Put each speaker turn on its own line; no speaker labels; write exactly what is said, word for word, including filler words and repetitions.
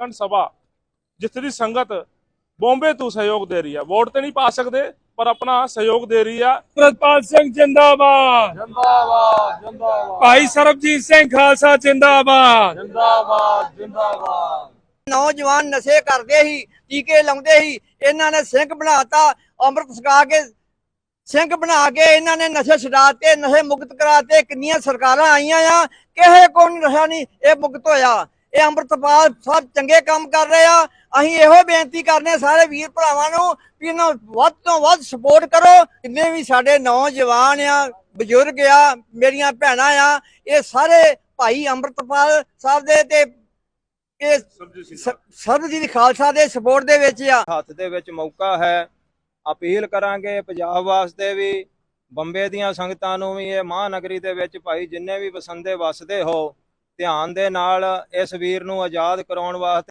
अखंड सभा जिथे दी संगत बॉम्बे तो सहयोग दे रही है। वोट तो नहीं पा सकते पर अपना सहयोग दे रही है।
ਪ੍ਰਿਤਪਾਲ ਸਿੰਘ ਜਿੰਦਾਬਾਦ
जिंदाबाद जिंदाबाद
ਭਾਈ ਸਰਬਜੀਤ ਸਿੰਘ ਖਾਲਸਾ ਜਿੰਦਾਬਾਦ
जिंदाबाद जिंदाबाद।
नौजवान नशे करते ही टीके लाਉਂਦੇ ही ਇਹਨਾਂ ਨੇ ਸਿੰਘ ਬਣਾਤਾ ਅੰਮ੍ਰਿਤ ਛਕਾ ਕੇ ਸਿੰਘ ਬਣਾ ਕੇ ਇਹਨਾਂ ਨੇ ਨਸ਼ੇ ਛਡਾਤੇ ਨਸ਼ੇ ਮੁਕਤ ਕਰਾਤੇ। ਕਿੰਨੀਆਂ ਸਰਕਾਰਾਂ ਆਈਆਂ ਆ ਕਿਸੇ ਕੋ ਨਹੀਂ ਰਹਾ ਨਹੀਂ ਇਹ ਮੁਕਤ ਹੋਇਆ। ਇਹ ਅੰਮ੍ਰਿਤਪਾਲ ਸਭ ਚੰਗੇ ਕੰਮ ਕਰ ਰਹੇ ਆ। ਅਸੀਂ ਇਹੋ ਬੇਨਤੀ ਕਰਨੇ ਸਾਰੇ ਵੀਰ ਭਰਾਵਾਂ ਨੂੰ ਵੀ ਇਹਨਾਂ ਵੱਧ ਤੋਂ ਵੱਧ ਸਪੋਰਟ ਕਰੋ। ਜਿੰਨੇ ਵੀ ਸਾਡੇ ਨੌਜਵਾਨ ਆ ਬਜ਼ੁਰਗ ਆ ਮੇਰੀਆਂ ਭੈਣਾਂ ਆ ਇਹ ਸਾਰੇ ਭਾਈ ਅੰਮ੍ਰਿਤਪਾਲ ਸਾਹਿਬ ਦੇ ਤੇ ਇਹ ਸਰਬਜੀਤ ਖਾਲਸਾ ਦੇ ਸਪੋਰਟ ਦੇ ਵਿੱਚ ਆ।
ਹੱਥ ਦੇ ਵਿੱਚ ਮੌਕਾ ਹੈ। ਅਪੀਲ ਕਰਾਂਗੇ ਪੰਜਾਬ ਵਾਸਤੇ ਵੀ ਬੰਬੇ ਦੀਆਂ ਸੰਗਤਾਂ ਨੂੰ ਵੀ ਇਹ ਮਹਾਨਗਰੀ ਦੇ ਵਿੱਚ ਭਾਈ ਜਿੰਨੇ ਵੀ ਵਸੰਦੇ ਵਸਦੇ ਹੋ ਧਿਆਨ ਦੇ ਨਾਲ ਇਸ ਵੀਰ ਨੂੰ ਆਜ਼ਾਦ ਕਰਾਉਣ ਵਾਸਤੇ